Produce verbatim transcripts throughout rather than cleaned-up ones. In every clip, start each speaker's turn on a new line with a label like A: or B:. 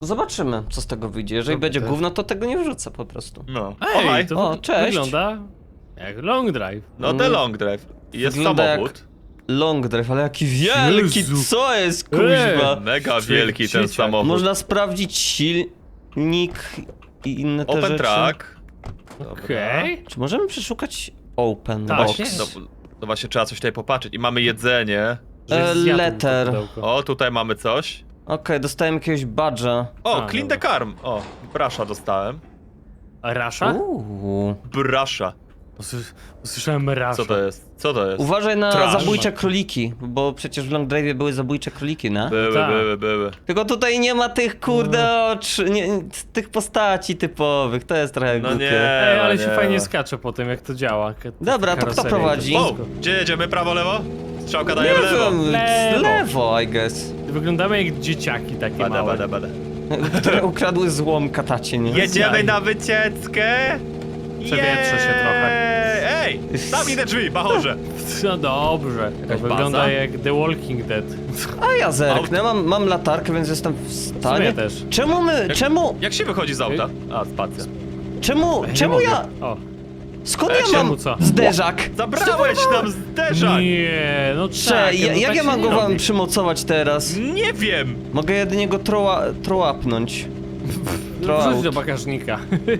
A: Zobaczymy, co z tego wyjdzie. Jeżeli
B: No,
A: będzie
B: to-
A: gówno, to tego nie wrzucę po prostu.
C: No.
B: Ej,
C: Ohaj.
B: to
A: O,
B: wy-
A: cześć.
B: wygląda jak long drive.
C: No the long drive. Jest
A: Wygląda jak-
C: samochód.
A: Long drive, ale jaki wielki,
B: Jezu.
A: co jest, kuźwa?
C: Mega wielki ten
B: dzieciak.
C: samochód.
A: Można sprawdzić silnik i inne te
C: Open
A: rzeczy.
C: track. Dobra.
B: Okej.
A: Czy możemy przeszukać open
B: Tak,
A: box?
B: jest.
C: No, no właśnie trzeba coś tutaj popatrzeć. I mamy jedzenie.
B: Że
A: E,
B: zjadł to
A: letter.
B: pudełko.
C: O, tutaj mamy coś.
A: Okej, dostałem jakiegoś badża.
C: O,
B: A,
C: clean
B: dobra.
C: the carm. O, brasza dostałem.
B: A Rasza?
A: Uuu.
C: Brasza.
B: Usłys- Usłyszałem Rasza.
C: Co to jest? Co to jest?
A: Uważaj na
C: Trash.
A: zabójcze króliki, bo przecież w Long Drive'ie były zabójcze króliki, no?
C: Były,
B: Tak.
C: były, były.
A: Tylko tutaj nie ma tych kurde oczu, nie, tych postaci typowych, to jest trochę
C: No
A: głupie.
C: nie.
B: Ej, ale
C: nie.
B: się fajnie skacze po tym, jak to działa. Ka-
A: Dobra, to kto
B: karoseria i
A: prowadzi?
B: to
C: O,
B: wszystko.
C: gdzie jedziemy? Prawo, lewo? Strzałka
A: Nie
C: daje w lewo.
A: wiem,
B: Lewo.
A: lewo, I guess.
B: Wyglądamy jak dzieciaki takie
C: Bada,
B: małe.
C: bada, bada.
A: Które ukradły złom katacie, nie?
C: Jedziemy
B: Jaj.
C: na wycieczkę.
B: Przewietrzę się
C: Jej!
B: trochę.
C: Ej, zamknij te drzwi, bachorze.
B: No dobrze. To
C: Jakaś
B: wygląda
C: baza?
B: jak The Walking Dead.
A: A ja zerknę, mam, mam latarkę, więc jestem w stanie.
B: sumie też.
A: Czemu my, czemu,
C: Jak się wychodzi z auta? A, spacja.
A: czemu,
B: Nie
A: czemu
B: mogę.
A: ja,
B: O.
A: skąd
C: E,
A: ja
B: czemu
A: mam
B: co?
A: zderzak?
C: Zabrałeś nam zderzak!
B: Nie, no
A: Cze,
B: tak,
A: ja,
B: no
A: jak
B: tak
A: ja
B: się
A: mam
B: nie
A: go wam
B: robi.
A: przymocować teraz?
C: Nie wiem!
A: Mogę jedynie go troła, trołapnąć.
B: Wrzuć do bagażnika.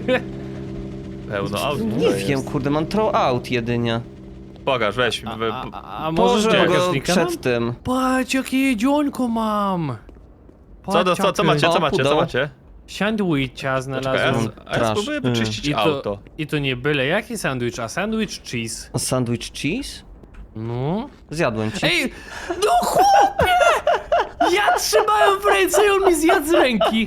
C: Pełno aut.
A: Nie wiem, kurde, mam throw out jedynie.
C: Pokaż, weź.
B: A,
C: we-
B: a, a może
A: Położę
B: do
A: go
B: bagażnika mam?
A: przed tym.
B: Patrz, jakie jedzonko mam.
C: Co, to, co, co macie, co
A: O,
C: macie, co
A: pudeł.
C: macie?
B: Sandwicha
C: Czekaj, a,
B: znalazłem.
C: a ja
A: Trash.
C: spróbuję wyczyścić
B: I to,
C: auto.
B: I to nie byle jaki sandwich, a sandwich cheese.
A: A sandwich cheese?
B: No.
A: Zjadłem ci.
B: Ej, no chłopie! Ja trzymałem w ręce i on mi zjadł z ręki.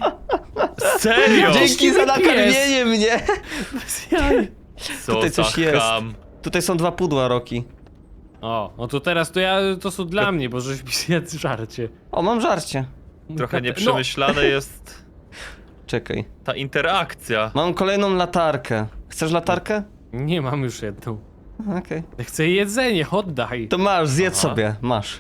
C: Serio?
A: Dzięki za
B: pies.
A: nakarmienie mnie!
B: Bez jaj.
C: Co
A: Tutaj
C: za
A: coś jest.
C: cham.
A: Tutaj są dwa pudła, Roki.
B: O, no to teraz to ja, to są dla mnie, bo żeś mi zjadł żarcie.
A: O, mam żarcie.
C: Trochę
B: No.
C: nieprzemyślane jest
A: Czekaj.
C: ta interakcja.
A: Mam kolejną latarkę. Chcesz latarkę?
B: Nie mam już jedną.
A: Okej.
B: Ja chcę jedzenie, oddaj.
A: To masz, zjedz
C: Aha.
A: sobie, masz.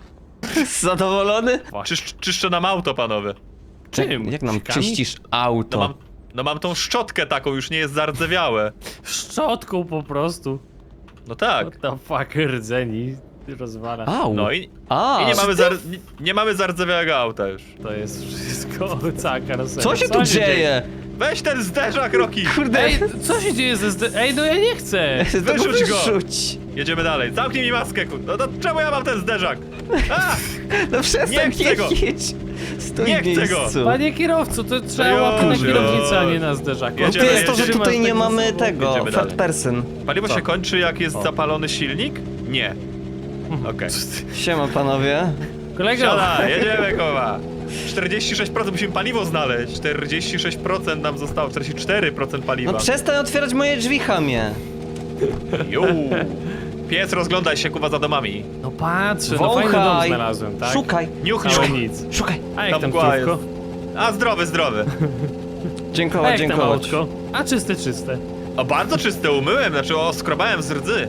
A: Zadowolony?
C: Czysz, czyszczę nam auto, panowie.
B: Czym?
A: Jak, jak nam
B: Sikami?
A: czyścisz
C: No
A: auto?
C: mam, no mam tą szczotkę taką, już nie jest zardzewiałe.
B: Szczotką po prostu.
C: No tak.
B: What the fuck, rdzeni rozwala.
A: Au.
C: No i,
A: A,
C: i nie, mamy zar, nie, nie mamy zardzewiałego auta już.
B: To jest wszystko, cała karoseria.
A: co się tu dzieje?
C: Weź ten zderzak, Roki!
A: Kurde,
B: Ej, co się dzieje ze zde... Ej, no ja nie chcę!
A: to go
C: wyrzuć go.
A: wyrzuć.
C: Jedziemy dalej. Zamknij mi maskę, ku... No to czemu ja mam ten zderzak? A!
A: No przestań,
C: Nie chcę go.
A: jedź. Stój
C: Nie
A: w
C: chcę go.
A: miejscu.
B: Panie kierowco, to trzeba
C: Już,
B: łapkę na
C: już.
B: kierownicę, a nie na zderzaku.
A: No to
C: Jedziemy,
A: jest to, że
C: jedziemy.
A: tutaj nie
B: Masz tak
A: mamy
B: ze sobą.
A: tego,
C: Jedziemy
A: third
C: dalej.
A: person.
C: Paliwo
B: Co?
C: się kończy, jak jest
B: O.
C: zapalony silnik? Nie. Okej.
A: Siema panowie.
B: Kolego!
C: Siada, jedziemy, koła. czterdzieści sześć procent musimy paliwo znaleźć. czterdzieści sześć procent nam zostało, czterdzieści cztery procent paliwa.
A: No przestań otwierać moje drzwi, chamie.
C: Juu. Pies, rozglądaj się, kuwa, za domami.
B: No patrzę, no fajny dom
A: Wąchaj.
B: znalazłem, tak?
A: Szukaj.
C: Niuch,
B: Całe
C: niuch.
B: nic.
A: Szukaj.
B: A jak
C: Tam
B: tam
C: mgła
B: krówko?
C: jest. A, zdrowy, zdrowy.
B: A
A: Dziękować,
B: jak tam
A: dziękować.
B: autko? A czyste, czyste.
C: O, bardzo czyste umyłem, znaczy oskrobałem z rdzy.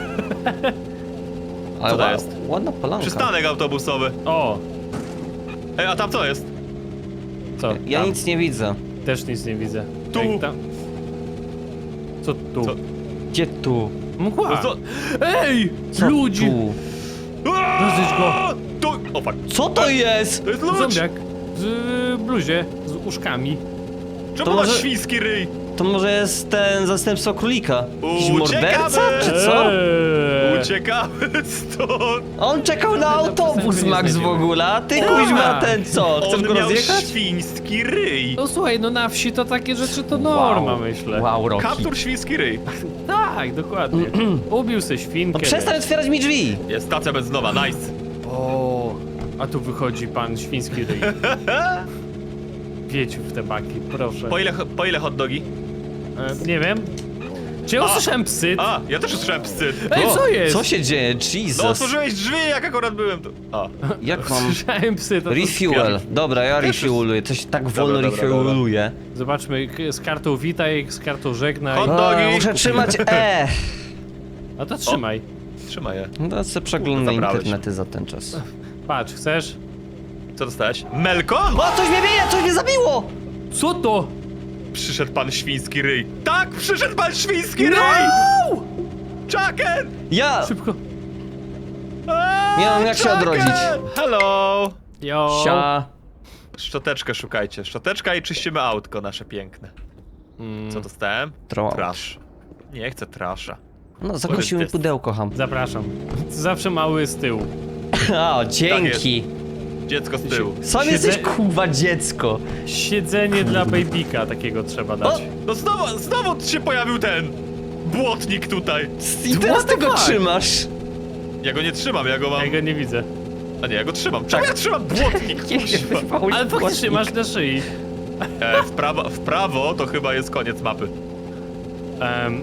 A: Ale
C: Co to
A: ła-
C: jest?
A: Ładna polanka.
C: Przystanek autobusowy.
B: O!
C: Ej, a tam co jest?
B: Co?
A: Ja
B: tam?
A: nic nie widzę.
B: Też nic nie widzę.
C: Tu.
B: Jak tam? Co tu?
C: Co?
A: Gdzie tu?
B: Mgła!
C: No co?
B: Ej!
A: Co
B: Ludzi!
A: tu?
B: Rozjedź go.
C: Tu! O, fuck.
A: Co to jest?
C: To jest ludź!
B: Zombiak. W y, bluzie, z uszkami.
C: Czemu
A: To
C: masz
A: może-
C: świński ryj?
A: To może jest ten zastępstwo królika? Jakiś
C: Uciekamy!
A: morderca, czy co?
B: Eee.
C: Uciekamy stąd!
A: On czekał na autobus,
B: Przestań,
A: Max, w
B: znajdziemy.
A: ogóle, a ty
B: Tak.
A: kuźma ten co? Chcesz
C: On
A: go
C: miał
A: rozjechać?
C: świński ryj!
B: No słuchaj, no na wsi to takie rzeczy to norma, myślę.
A: Wow, Rocky.
C: Kaptur świński ryj.
B: Tak, dokładnie. Ubił se świnkę.
A: No przestań
B: wiesz.
A: otwierać mi drzwi!
C: Jest stacja benzynowa, nice.
B: O, a tu wychodzi pan świński ryj. Wieciu w te baki, proszę.
C: Po ile, po ile hot dogi?
B: E, nie wiem. Czy ja
C: A.
B: usłyszałem psy?
C: A, ja też usłyszałem psy.
B: Ej,
A: O,
B: co jest?
A: Co się dzieje?
C: No
A: Jesus.
C: otworzyłeś drzwi, jak akurat byłem tu. A,
A: Jak mam...
B: Słyszałem psy, to to
A: Refuel. Dobra, ja
C: Też jest-
A: refueluję. Coś tak wolno
C: dobra, dobra.
A: refueluję.
B: Zobaczmy, k- z kartą witaj, z kartą żegnaj.
C: Hot
A: O,
C: dogi.
A: muszę trzymać E.
B: A to trzymaj.
C: trzymaj je.
A: No to sobie przeglądam
C: Kurde, zabrałeś.
A: internety za ten czas.
B: Patrz, chcesz?
C: Co dostałeś? Melko?
A: O, coś mnie bije, coś mnie zabiło!
B: Co to?
C: Przyszedł pan świński ryj. Tak, przyszedł pan świński ryj!
B: No!
C: Chucken!
A: Ja!
B: Szybko.
C: Eee,
A: Nie mam jak się
C: Chucken!
A: odrodzić.
C: Hello!
B: Jo.
A: Sia.
C: Szczoteczkę szukajcie. Szczoteczka i czyścimy autko nasze piękne.
B: Mm,
C: Co dostałem?
A: Troll.
C: Trash. Nie chcę trasha.
A: No, zakosił mi
C: jest?
A: pudełko, ham.
B: Zapraszam. Zawsze mały z tyłu.
A: O, dzięki.
C: Dziecko z tyłu.
A: Sam
B: Siedzę-
A: jesteś kurwa dziecko.
B: Siedzenie dla babyka takiego trzeba dać.
C: No znowu, znowu się pojawił ten błotnik tutaj.
A: I teraz ty go
B: fuck?
A: trzymasz.
C: Ja go nie trzymam, ja go mam...
B: Ja go nie widzę.
C: A nie, ja go trzymam. Czemu ja trzymam błotnik? Kuźwa.
B: Ale faktycznie masz na szyi.
C: E, w, prawo, w prawo to chyba jest koniec mapy.
B: Um,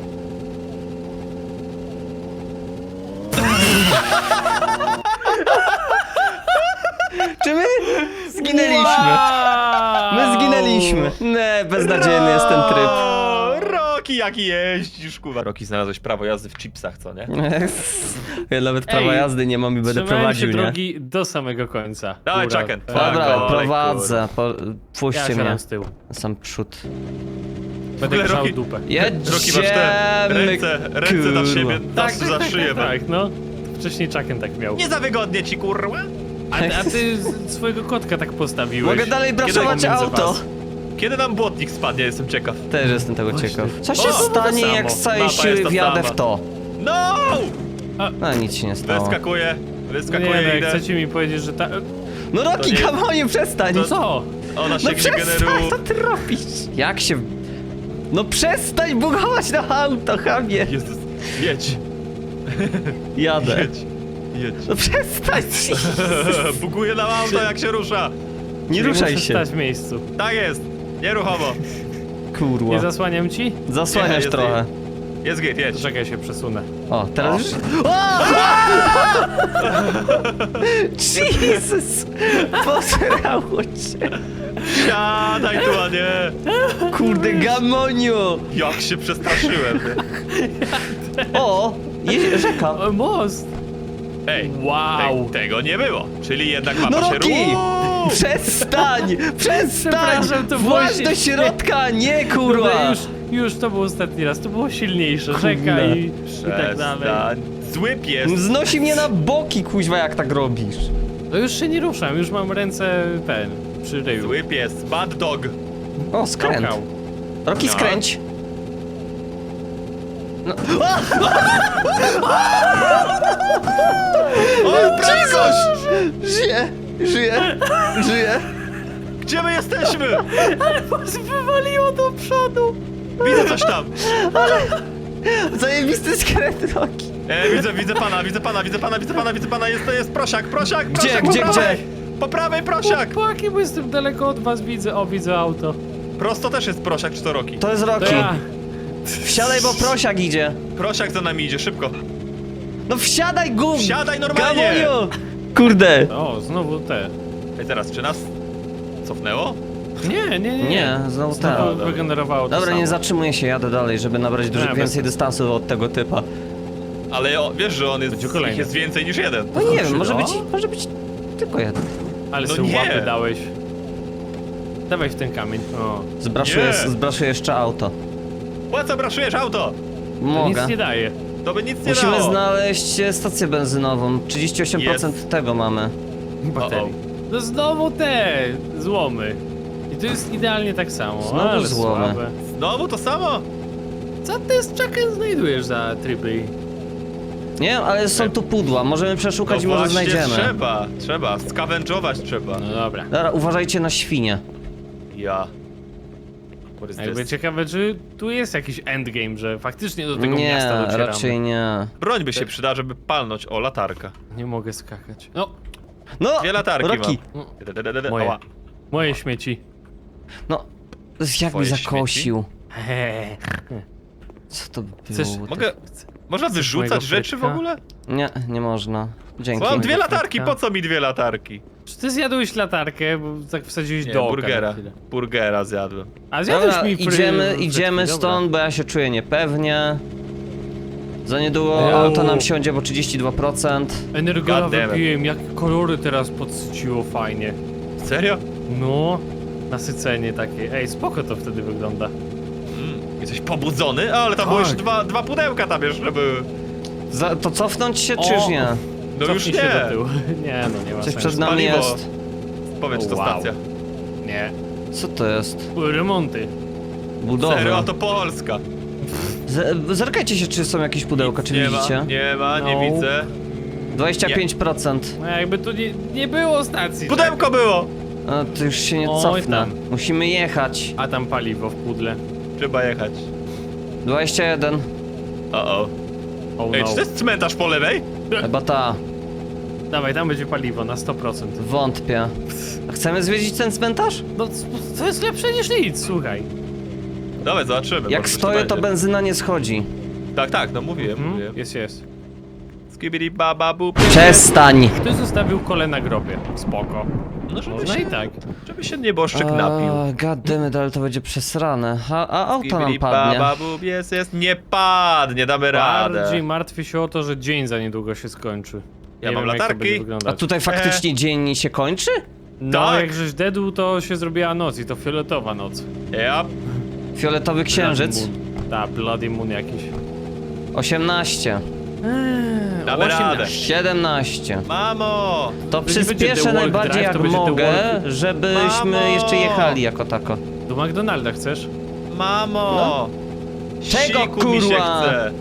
A: Czy my zginęliśmy? My zginęliśmy. Nie, beznadziejny jest ten tryb.
C: O, Roki, jaki jeździsz, kurwa. Roki, znalazłeś prawo jazdy w chipsach, co nie?
A: Ja nawet prawa
B: Ej,
A: jazdy nie mam i będę
B: Trzymałem
A: prowadził,
B: się
A: nie?
B: drogi do samego końca.
C: Dawaj,
B: Góra.
C: Chucken.
B: Tak.
A: Dobra,
C: Olej,
A: prowadzę. Po,
B: Ja
A: puśćcie mnie.
B: siadam z tyłu.
A: Na sam przód.
B: Będę
C: ogóle
B: grzał
C: Rocky-
B: dupę.
C: Roki, masz te ręce, ręce na siebie,
B: Tak,
C: tak,
B: tak,
C: za
B: tak,
C: szyję.
B: tak, tak, no. Wcześniej Chucken tak miał.
C: Nie za wygodnie ci, kurwa.
B: A, a ty z- swojego kotka tak postawiłeś.
A: Mogę dalej braszować
B: pomiędzy
A: auto.
B: was?
C: Kiedy nam błotnik spadnie, jestem ciekaw.
A: Też jestem tego
B: Właśnie.
A: ciekaw. Co się
C: O, to
A: stanie,
C: samo.
A: jak z całej
C: Mapa jest
A: siły
C: ta
A: wjadę
C: sama.
A: w to?
C: No!
A: No nic się nie stało.
C: Wyskakuję,
B: Nie,
C: wyskakuję,
B: no, jak
C: idę.
B: chcecie mi powiedzieć, że ta...
A: No Roki,
C: To nie-
A: kamonie, przestań!
C: to-
B: Co?
C: Ona się
A: No
C: no
A: przestań,
C: generuje.
A: co ty robisz? Jak się... No przestań bugować na auto, chamie!
C: Jezus, jedź,
A: Jadę.
C: jedź, jedź.
A: No przestań!
C: Buguje nam auto, jak się rusza.
A: Nie
B: Czyli
A: ruszaj
B: muszę
A: się.
B: stać w miejscu.
C: Tak jest, nieruchomo.
A: Kurwa.
B: Nie zasłaniam ci?
A: Zasłaniasz
C: Nie, jest
A: trochę.
C: Jest git, jedź.
B: To czekaj, się przesunę.
A: O, teraz
C: O.
A: już... O! Jesus! Posrało cię!
C: Siadaj tu, a nie.
A: Kurde, gamoniu!
C: Jak się przestraszyłem.
A: O! Je rzeka!
B: O, most!
C: Ej,
B: Wow!
C: te, tego nie było. Czyli jednak mapa
A: No
C: się
A: Roki!
C: ruszy.
A: Przestań! Przestań!
B: Przepraszam, to było
A: Właź
B: się-
A: do środka, nie
B: Dobra,
A: kurwa!
B: już, już to był ostatni raz, to było silniejsze,
A: Kurde.
B: rzeka i, i tak dalej.
C: Przestań. Zły pies.
A: Znosi mnie na boki, kuźwa, jak tak robisz.
B: No już się nie ruszam, już mam ręce ten, przy ryju.
C: Zły pies. Bad dog.
A: O, skręt.
B: Skakał.
A: Roki,
C: No.
A: skręć. No.
C: O, prędkość!
A: Żyje! Żyje! Żyje!
C: Gdzie my jesteśmy?
B: Was wywaliło do przodu!
C: Widzę coś tam.
A: Zajebisty skręt, Roki.
C: E, widzę, widzę pana, widzę pana, widzę pana, widzę pana, widzę pana. Jest, to jest prosiak, prosiak,
A: Gdzie,
C: prosiak,
A: gdzie,
C: po prawej.
A: gdzie?
C: Po prawej prosiak.
B: Chłopaki, bo jestem daleko od was, widzę, o widzę auto.
C: Prosto też jest prosiak, czy to Roki?
A: To jest
B: To
A: Roki.
B: ja.
A: Wsiadaj, bo prosiak idzie.
C: Prosiak za nami idzie, szybko.
A: No wsiadaj, gum!
C: Wsiadaj normalnie.
A: Gamoniu! Kurde!
B: O, znowu te.
C: Ej, teraz, czy nas cofnęło?
B: Nie, nie, nie.
A: Nie, znowu
B: Znowu
A: tak.
C: dobra.
B: wygenerowało to
A: Dobra,
B: samo.
A: nie zatrzymuję się, jadę dalej, żeby nabrać dużo
B: Nie, bez
A: więcej
B: sensu.
A: dystansu od tego typa.
C: Ale o, wiesz, że on jest,
B: Będzie
C: ich
B: kolejny.
C: jest więcej niż jeden.
A: No nie wiem, może
B: no?
A: być, może być tylko jeden.
B: Ale
C: No
B: sobie
C: nie.
B: łapy dałeś. Dawaj w ten kamień. O.
A: Zbraszuję,
C: Nie.
A: zbraszuję jeszcze auto.
C: Po co braszujesz auto?
B: To
A: Mogę.
B: nic nie daje.
C: To by nic nie
A: Musimy
C: dało.
A: znaleźć e, stację benzynową. trzydzieści osiem procent
C: Jest.
A: tego mamy.
B: Baterii. No znowu te złomy. I to jest idealnie tak samo.
A: Znowu
B: ale
A: złomy.
B: słabe.
C: Znowu to samo?
B: Co ty z Chucken znajdujesz za tryby?
A: Nie wiem, ale są tu pudła. Możemy przeszukać i
C: no
A: może
C: właśnie
A: znajdziemy.
C: trzeba, trzeba, skawędżować trzeba.
B: No dobra.
A: Dobra, uważajcie na świnie.
C: Ja. What is
B: Jakby
C: this?
B: ciekawe, czy tu jest jakiś endgame, że faktycznie do tego
A: Nie,
B: miasta docieramy.
A: raczej nie.
C: Broń by się przydała, żeby palnąć. O, latarka.
B: Nie mogę skakać. No,
A: No!
C: Dwie latarki
A: Roki!
B: no
C: mam.
B: moje.
C: Ała.
B: Moje śmieci.
A: No, jak mi
C: Twoje
A: zakosił.
B: Hehe.
A: Co to było?
B: Chcesz-
C: Mogę... Można wyrzucać
B: mojego
C: rzeczy w
B: frytka?
C: ogóle?
A: Nie, nie można. Dzięki.
C: Mam dwie
B: Mojego
C: latarki,
B: frytka?
C: po co mi dwie latarki?
B: Czy ty zjadłeś latarkę, bo tak wsadziłeś
C: Nie,
B: do oka
C: burgera.
B: na chwilę.
C: Burgera zjadłem.
B: A zjadłeś
A: Dobra,
B: mi fry...
A: idziemy,
B: frytki,
A: idziemy
B: dobra.
A: stąd, bo ja się czuję niepewnie. Za niedługo
B: Wow.
A: auto nam wsiądzie, bo trzydzieści dwa procent.
B: Energola
C: God damn it.
B: wypiłem, jak kolory teraz podsyciło fajnie.
C: Serio?
B: No, nasycenie takie. Ej, spoko to wtedy wygląda.
C: Mm, jesteś pobudzony? Ale tam
B: Tak.
C: były jeszcze dwa, dwa pudełka tam jeszcze były.
A: Za, to cofnąć się,
B: O!
A: czy już nie?
C: No już
B: Cofnij się do
C: nie.
B: tyłu. Nie, no nie ma
A: Coś
B: sensu.
A: przed nami
C: Paliwo.
A: jest.
C: Powiedz, czy to
B: Wow.
C: stacja.
B: Nie.
A: Co to jest?
B: Remonty.
A: Budowa.
C: Serio, a to Polska.
A: Z- Zerkajcie się, czy są jakieś pudełka, czy
C: nie
A: widzicie?
C: Ma, nie ma, nie
B: No.
C: widzę.
A: dwadzieścia pięć procent.
B: No jakby tu nie, nie było stacji.
C: Pudełko było!
A: A, to już się nie
B: Oj,
A: cofnę.
B: tam.
A: Musimy jechać.
B: A tam paliwo w pudle.
C: Trzeba jechać.
A: dwadzieścia jeden.
C: O o.
B: Oh
C: Ej,
B: no.
C: czy to jest cmentarz po lewej?
A: Chyba ta.
B: Dawaj, tam będzie paliwo na sto procent.
A: Wątpię. A chcemy zwiedzić ten cmentarz?
B: No, c- to jest lepsze niż nic, słuchaj.
C: Dawaj, zobaczymy.
A: Jak
C: może coś
A: stoję,
C: tu
A: to
C: będzie.
A: benzyna nie schodzi.
C: Tak, tak, no mówiłem,
B: Hmm?
C: mówiłem.
B: Jest, jest.
C: Skibidi baba bu.
A: Przestań!
B: Ktoś zostawił kole na grobie. Spoko.
C: No żeby
B: Można
C: się,
B: i tak.
C: żeby się nieboszczyk napił.
A: A, goddammit, ale to będzie przesrane. A, a auto nam
C: Skibidi
A: padnie.
C: baba bu, jest, jest. Nie padnie, damy radę.
B: Bardziej martwię się o to, że dzień za niedługo się skończy.
C: Ja
B: Nie
C: mam
B: wiem, jak to
C: latarki.
B: będzie
A: A
B: wyglądać.
A: tutaj faktycznie dzień się kończy?
B: No,
C: Tak.
B: jak żeś dedł, to się zrobiła noc i to fioletowa noc.
C: Ja.
A: Fioletowy księżyc?
B: Tak, Bloody Moon jakiś.
A: osiemnaście.
C: Damy radę.
A: siedemnaście.
C: Mamo!
A: To
B: nie będzie
A: przyspieszę
B: The Walk
A: najbardziej
B: Drive,
A: jak
B: to będzie The
A: mogę,
B: Walk.
A: żebyśmy
C: Mamo!
A: jeszcze jechali jako tako.
B: Do McDonalda chcesz?
C: Mamo!
A: Czego,
C: Siku mi się
A: kurwa?
C: chce.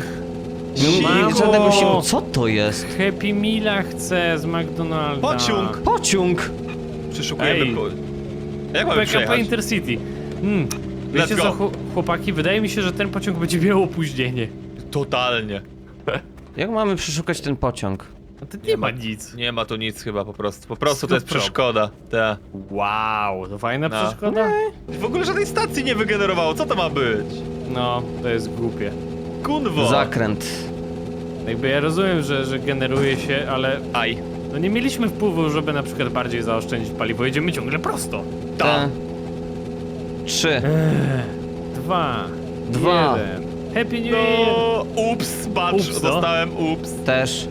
A: Nie,
B: Mamo!
A: żadnego siłu. Co to jest?
B: Happy Meala chcę z McDonalda.
C: Pociąg!
A: Pociąg!
C: Przeszukujemy
B: Ej.
C: po... Jak mamy
B: P K P
C: przejechać?
B: Intercity. Hmm. Wiecie
C: Let's
B: co,
C: go.
B: chł- chłopaki? Wydaje mi się, że ten pociąg będzie miał opóźnienie.
C: Totalnie.
A: Jak mamy przeszukać ten pociąg?
B: A to nie ma nic.
C: Nie ma tu nic chyba po prostu. Po prostu to jest
B: Stop, stop.
C: przeszkoda. Ta.
B: Wow, to fajna
C: No.
B: przeszkoda?
C: W ogóle żadnej stacji nie wygenerowało. Co to ma być?
B: No, to jest głupie.
C: Kunwo.
A: Zakręt.
B: Jakby ja rozumiem, że, że generuje się, ale
C: Aj.
B: no nie mieliśmy wpływu, żeby na przykład bardziej zaoszczędzić paliwo. Jedziemy ciągle prosto.
C: Ta.
A: Te. Trzy.
B: Eee, dwa.
A: Dwa.
B: Jeden. Happy New Year!
C: No, ups, patrz,
B: Ups, no.
C: dostałem ups.
A: Też.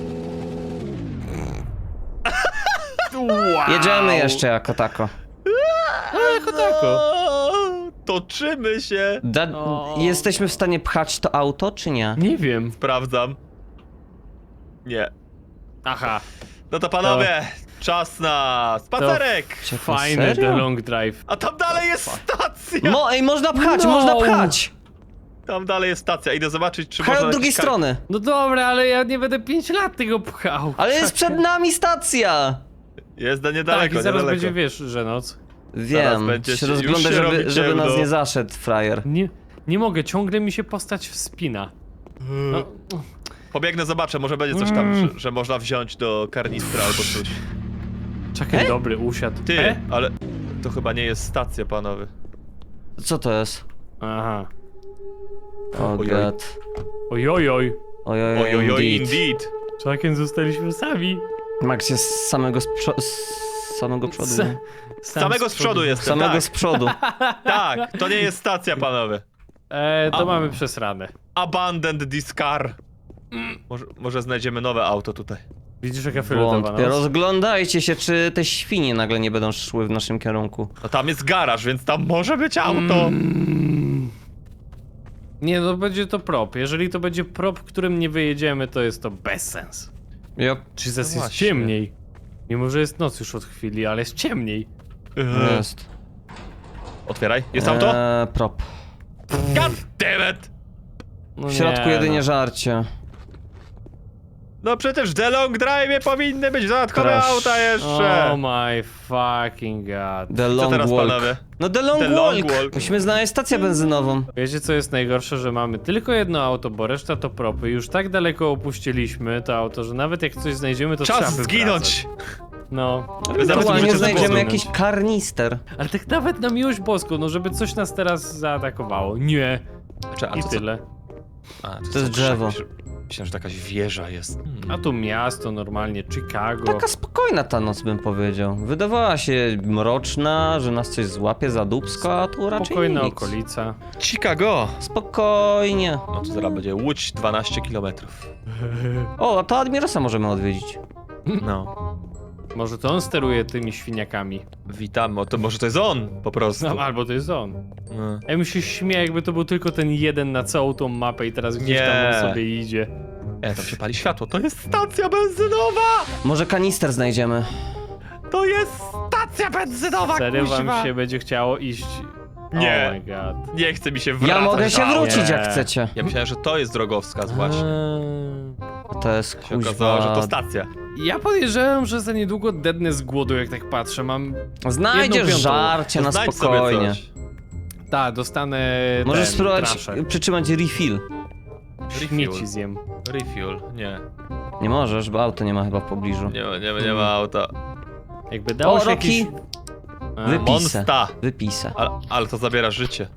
B: Wow.
A: Jedziemy jeszcze jako tako.
B: No, jako tako.
C: O, toczymy się.
A: Da
B: O.
A: Jesteśmy w stanie pchać to auto, czy nie?
B: Nie wiem.
C: Sprawdzam. Nie.
B: Aha.
C: No to panowie, czas na spacerek.
A: Czekaj,
B: Fajny
A: serio?
B: The Long Drive.
C: A tam dalej jest stacja.
A: Mo ej, można pchać,
B: No.
A: można pchać!
C: Tam dalej jest stacja. Idę zobaczyć, czy
A: Pchaj
C: można
A: od drugiej
C: jakiś ka-
A: strony.
B: No dobra, ale ja nie będę pięć lat tego pchał.
A: Ale jest przed nami stacja!
C: Jest na
B: Tak,
C: niedaleko,
B: i zaraz
C: niedaleko.
B: będzie, wiesz, że noc.
A: Wiem,
C: będzie
A: się
C: się- już
A: rozgląda,
C: się
A: żeby,
C: robi
A: żeby nas
C: ciemno.
A: nie zaszedł, frajer.
B: Nie, nie mogę, ciągle mi się postać wspina. No,
C: Pobiegnę, zobaczę, może będzie coś tam, że, że można wziąć do karnistra albo coś.
B: czekaj,
A: E?
B: dobry, usiadł.
C: Ty,
B: E?
C: ale to chyba nie jest stacja, panowie.
A: Co to jest?
B: Aha.
A: O
C: Ojoj.
A: god.
B: Ojojoj.
A: Ojoj,
C: Ojojoj,
A: indeed.
C: indeed.
B: Czakiem zostaliśmy sami.
A: Max jest z samego z, przo- z samego przodu.
B: S-
A: nie?
C: Z samego z przodu
A: Z
C: jestem,
A: samego
C: tak.
A: z przodu.
C: Tak, to nie jest stacja, panowie.
B: E, to
C: A.
B: mamy przesrane.
C: Abandoned this car. Może, może znajdziemy nowe auto tutaj.
B: Widzisz, jaka fioletowa
A: Wątpię.
B: noc?
A: Rozglądajcie się, czy te świnie nagle nie będą szły w naszym kierunku.
C: No tam jest garaż, więc tam może być auto.
B: Mm. Nie, no będzie to prop. Jeżeli to będzie prop, którym nie wyjedziemy, to jest to bezsens.
A: Yep.
B: Czy zaś
C: No
B: jest
C: właśnie.
B: ciemniej? Mimo, że jest noc już od chwili, ale jest ciemniej.
C: Eee.
A: Jest.
C: Otwieraj. Jest auto?
A: Eee, prop.
C: God damn it!
B: No
A: W środku
B: nie,
A: jedynie
B: no.
A: żarcie.
C: No przecież w The Long Drive powinny być dodatkowe
A: Crash.
C: auta jeszcze.
B: Oh my fucking god.
A: The Long
C: teraz,
A: Walk.
C: panowie?
A: No The Long,
C: The Long
A: walk.
C: Walk.
A: Musimy znaleźć stację benzynową.
B: Wiecie co jest najgorsze, że mamy tylko jedno auto, bo reszta to propy. Już tak daleko opuściliśmy to auto, że nawet jak coś znajdziemy, to trzeba
C: Czas
B: wywracać.
C: zginąć.
B: No.
C: Ewentualnie
A: Ewentualnie
C: możecie
A: znajdziemy
C: zginąć.
A: jakiś karnister.
B: Ale tak nawet na miłość boską, no żeby coś nas teraz zaatakowało. Nie.
C: Cze- a
B: I
C: to co-
B: tyle.
C: A, to,
A: To
C: co
A: jest drzewo.
C: krzak? Myślałem, że to jakaś wieża jest. Hmm.
B: A tu miasto normalnie, Chicago.
A: Taka spokojna ta noc, bym powiedział. Wydawała się mroczna, że nas coś złapie za dupsko, a tu raczej
B: Spokojna
A: nic.
B: okolica.
C: Chicago!
A: Spokojnie.
C: No to zaraz będzie Łódź dwanaście kilometrów.
A: O, a to Admirosa możemy odwiedzić.
C: No.
B: Może to on steruje tymi świniakami.
C: Witam, o, to może to jest on po prostu.
B: No, albo to jest on.
C: No.
B: Ja bym się śmiał, jakby to był tylko ten jeden na całą tą mapę i teraz gdzieś
C: Nie.
B: tam on sobie idzie.
C: E, tam się pali światło, to jest stacja benzynowa!
A: Może kanister znajdziemy.
C: To jest stacja benzynowa,
B: Serio wam
C: kuźwa!
B: się będzie chciało iść...
C: Nie.
B: Oh my god.
C: Nie chce mi się wracać.
A: Ja mogę się
C: dalej.
A: wrócić jak
B: Nie.
A: chcecie.
C: Ja myślałem, że to jest drogowskaz właśnie.
B: Eee,
A: To jest
C: Się okazało, że to
A: kuźwa...
C: stacja.
B: Ja podejrzewam, że za niedługo dednę z głodu, jak tak patrzę. Mam...
A: Znajdziesz
B: jedną piątą.
A: żarcie na
C: Znajdź
A: spokojnie.
C: sobie coś.
B: Tak, dostanę
A: Możesz
B: ten,
A: spróbować
B: traszę.
A: przytrzymać refill.
B: Śmieci zjem.
C: Refuel, nie.
A: Nie możesz, bo auto nie ma chyba w pobliżu.
C: Nie ma, nie ma, nie ma auta.
B: Jakby dało
A: O,
B: się
A: Rocky!
B: jakieś... A,
A: Wypij.
C: Monsta!
A: Wypisę.
C: Ale, ale to zabiera życie.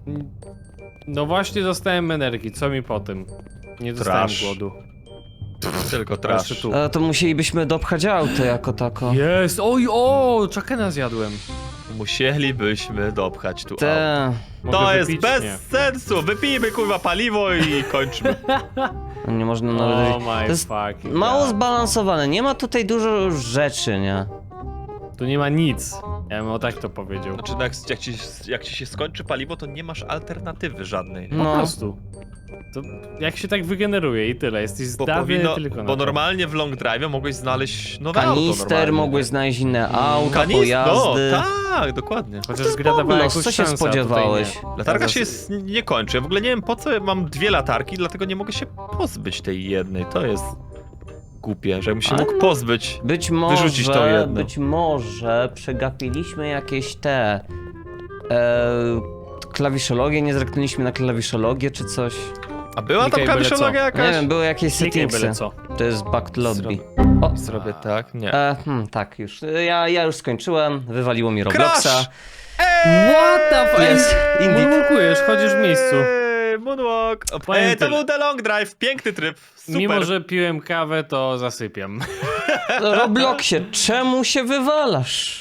B: No właśnie dostałem energii, co mi po tym? Nie dostałem
C: Trash.
B: głodu.
C: Tylko
B: Jeszcze
C: trash.
B: tu.
A: Ale to musielibyśmy dopchać auto jako tako.
B: Jest! Oj, o! Czakena zjadłem.
C: Musielibyśmy dopchać tu auto.
A: Te...
B: Mogę
C: To jest
B: wypić?
C: bez
B: Nie.
C: sensu! Wypijmy kurwa paliwo i kończmy.
A: No nie można
B: Oh
A: nawet...
B: my
A: To jest
B: fucking
A: mało
B: God.
A: zbalansowane, nie ma tutaj dużo rzeczy, nie?
B: Tu nie ma nic. Ja bym o tak to powiedział.
C: Znaczy, no jak, jak, ci, jak ci się skończy paliwo, to nie masz alternatywy żadnej.
B: Po
A: No.
B: prostu. To jak się tak wygeneruje i tyle. Jesteś
C: Bo,
B: zdany
C: powinno,
B: tylko na
C: bo
B: to.
C: normalnie w long drive mogłeś znaleźć nowe auto
A: Kanister,
C: normalnie.
A: mogłeś znaleźć inne auta,
C: Kanis- No,
A: pojazdy.
C: tak, dokładnie.
B: Chociaż
A: To jest
B: gra dawała
A: bonus,
B: jakąś
A: co się
B: szansę, a tutaj
A: spodziewałeś?
B: nie.
C: Latarka
B: Zas-
C: się s- nie kończy. Ja w ogóle nie wiem po co mam dwie latarki, dlatego nie mogę się pozbyć tej jednej. To jest głupie, że bym się
A: Ale
C: mógł
A: no,
C: pozbyć.
A: Być
C: Wyrzucić to
A: może,
C: jedno.
A: być może przegapiliśmy jakieś te... E, klawiszologię, nie zerknęliśmy na klawiszologię czy coś.
C: A była tam
B: Klikaj byle
C: klawiszologia
B: co.
C: jakaś?
A: Nie wiem, były jakieś
B: Klikaj byle
A: settingsy.
B: co.
A: To jest back to lobby.
C: Zrobię.
A: O,
C: Zrobię tak? Nie.
A: e, hmm, tak, już. Ja, ja już skończyłem, wywaliło mi Robloxa.
C: Crash!
B: What the fuck?
A: Jest, indeed.
B: Moonwalkujesz, chodzisz w miejscu.
C: Eee, Moonwalk.
B: Powiem
C: Eee, to
B: tyle.
C: był The Long Drive, piękny tryb. Super.
B: Mimo, że piłem kawę, to zasypiam.
A: Robloxie, czemu się wywalasz?